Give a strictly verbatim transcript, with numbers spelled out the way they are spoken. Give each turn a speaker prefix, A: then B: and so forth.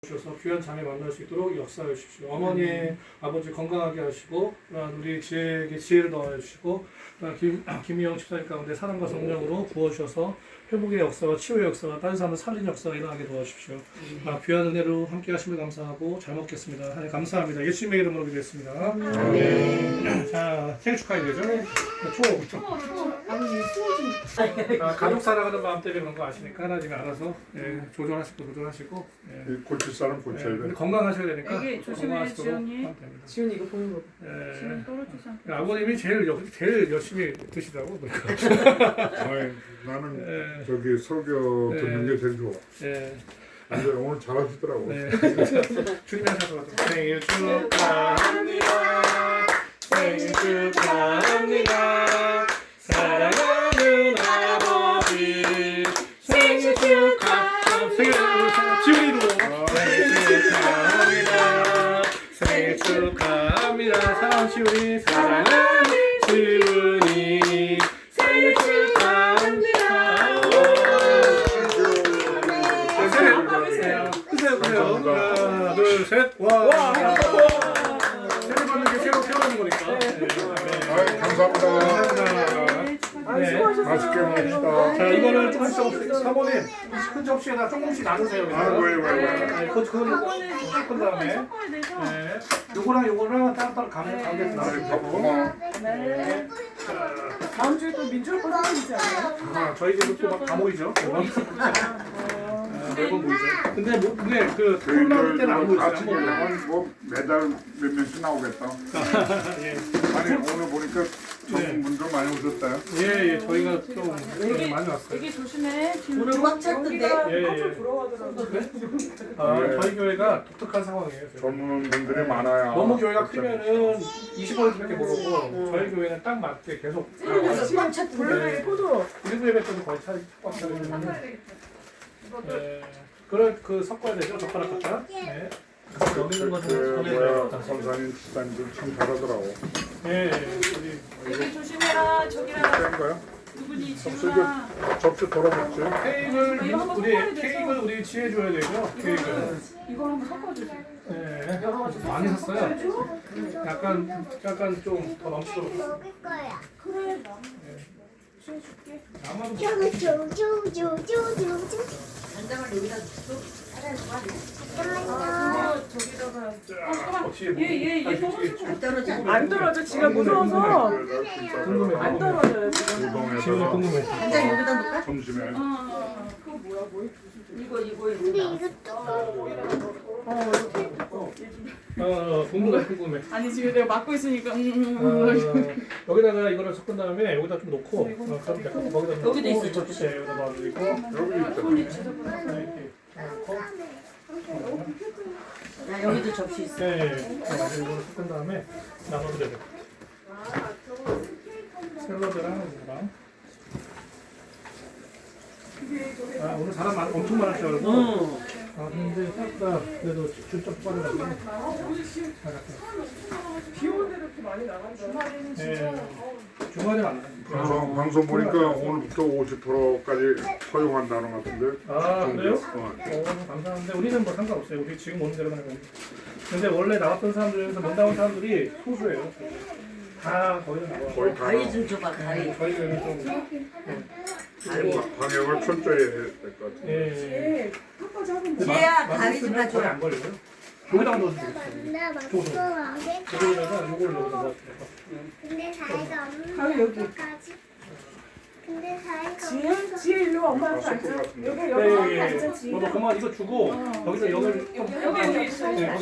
A: 주셔서 귀한 자매 만날 수 있도록 역사해 주십시오. 어머니, 음. 아버지 건강하게 하시고, 우리 지혜에게 지혜를 더해 주시고, 김, 김희영 집사님 가운데 사랑과 성령으로 부어주셔서 회복의 역사와 치유의 역사와 다른 사람을 살리는 역사가 일어나게 도와주십시오. 음. 아, 귀한 은혜로 함께 하심을 감사하고 잘 먹겠습니다. 하나님 감사합니다. 예수님의 이름으로 기도했습니다. 음. 네. 자, 생일 축하해 되죠? 초. 초.
B: 아니, 수호지.
A: 아, 가족 사랑하는 마음 때문에 그런 거 아시니까 하나님이 알아서 예, 조절하시고 조절하시고 예.
C: 고칠 사람 고쳐야
A: 예,
C: 돼.
A: 건강하셔야 되니까
B: 애기 조심해, 지연이. 지연이 이거 보는 거.
A: 예.
B: 지연 떨어지지 않게.
A: 아버님이 제일 여, 제일 열심히 드시더라고.
C: 아이, 나는
A: 예.
C: 저기 설교 듣는 게 제일 좋아.
A: 예.
C: 근데 오늘 잘하시더라고.
A: 네. 주님 하셔서 생일 축하합니다. 생일 축하합니다. 사랑하는 아버지 생일 축하. 생일 지훈이도 생일 축하합니다. 생일 축하합니다. 사랑하는 지훈이 사랑하는 지훈이 생일 축하합니다. 크세요, 크세요. 하나, 둘, 셋. 와. 새로 받는 게 새로 태어나는 거니까.
C: 아이, 감사합니다.
A: 네.
C: 맛있게 먹읍시다.
A: 자, 이거는 조금씩 조금씩 사모님 큰 접시에다 조금씩 나누세요.
C: 아, 왜, 왜, 왜.
A: 네, 그거 그거는 섞은 다음에. 네. 요거랑 요거랑 따로따로 가게 가게에서 나눠주고.
B: 네. 다음 주에 또 민주학 거 생기지 않아요?
A: 아, 저희 집은 또막 다 모이죠. 매번 모이죠. 근데 뭐, 근데 그 코로나 때는 안 모였어요. 안 모여요.
C: 같이 뭐 매달 몇 명씩 나오겠다.
A: 예.
C: 아니 오늘 보니까 전문 분들 많이 오셨다요.
A: 예, 예, 저희가 좀
B: 애기,
A: 많이 왔어요.
B: 애기 조심해.
D: 오늘 꽉 찼던데?
A: 예, 예.
B: 깜짝 돌아가더라고요.
A: 아,
C: 네.
A: 저희 교회가 독특한 상황이에요. 지금.
C: 전문 분들이 많아요.
A: 너무 교회가 크면은 이십 퍼센트밖에 못 오고 저희 교회는 딱 맞게 계속
D: 그래서 꽉 찼던데?
B: 블루베리 포도.
A: 일부 예배 때도 거의 차이 꽉 차요. 네, 그걸 그 섞어야 되죠. 젓가락 갖다. 네. 여기 있는
C: 그,
A: 것은
C: 뭐야
A: 전에
C: 선사님 집사님들 참 잘하더라고.
A: 예, 우리
B: 애기 조심해라. 저기랑
C: 센 거야?
B: 누구니
C: 접시
B: 지훈아.
C: 접시 덜어먹지.
A: 케이크를
B: 이거 한번
A: 우리
B: 섞어야 돼서.
A: 케이크를 우리 지혜 줘야 되죠. 케이크.
B: 이거 한번 섞어주세요.
A: 네.
B: 여러 가지
A: 많이 샀어요.
B: 섞어줘.
A: 약간 약간 좀 더 넘치도록.
E: 먹을 거야.
B: 그래. 줄게.
A: 아마도
E: 쪼쪼쪼쪼쪼쪼.
D: 간장을 여기다 또 따라야 돼.
E: 잠깐만요.
B: 아, 저기다가.
A: 혹시
B: 얘, 얘, 얘
D: 안 떨어져.
B: 안 떨어져. 지가 무서워서
A: 궁금해.
B: 안 떨어져요 지금.
A: 지금
C: 우동에다가
A: 궁금해.
D: 간장 여기다 넣을까?
C: 점심에
B: 아, 그거 뭐야 뭐?
D: 이거 이거
E: 근데
D: 이거.
E: 이거 뚜껑.
B: 어, 이거 테이프 거.
A: 어, 궁금해, 궁금해.
B: 아니 지금 내가 막고 있으니까. 음,
A: 어,
B: 음, 음.
A: 여기다가 이거를 섞은 다음에 여기다 좀 놓고 어, 그럼 약간 거기다 놓고
D: 여기도 있어,
A: 이 접시에 여기다 놔두고
C: 여기 있잖아.
A: 이렇게 놓고
D: 야 여기도 접시 있어.
A: 네, 이거를 섞은 다음에 나눠면 돼요. 샐러드랑 이거랑. 아, 오늘 사람 많, 엄청 많을 줄 알고. 아, 근데 생각보다 그래도 줄좀 빠르다고.
B: 비 오는데 이렇게 많이 나간다. 주말에는 진짜.
A: 네. 주말에 안
C: 방송, 방송 보니까 오늘부터 오십 퍼센트까지 허용한다는 것 같은데.
A: 아, 그래요?
C: 어.
A: 오, 감사한데 우리는 뭐 상관없어요. 우리 지금 오는 대로만 해요. 근데 원래 나왔던 사람들 중에서 못 나온 사람들이 소수예요. 다 거의 다 나와요.
C: 거의 다
D: 가위 좀 줘봐 가위.
A: 저희 교회는 좀
D: 가위.
C: 방역을 철저히 해야 될 것 같아.
A: 예.
B: 예. 끝까지 하면 돼.
D: 지혜야,
A: 마-
D: 가위 좀
A: 맛있으면
D: 가져와.
A: 거의 안 걸려요. 여기다가 넣어주면 되겠어요.
E: 나 먹고 먹을 거야.
A: 여기다가 요걸 넣어서 넣어서.
E: 근데 사이가 없는
B: 가위 여기.
E: 것까지. 근데 사이가
B: 지혜,
E: 없는
B: 지혜 일로 와, 엄마랑
C: 섞을
B: 앉아.
C: 것 같은데.
B: 여기
A: 네,
B: 여기
A: 예,
B: 앉아
A: 예.
B: 지혜.
A: 너 그만 이거 주고 여기다 여기를
B: 여기 여기 있어.
A: 네,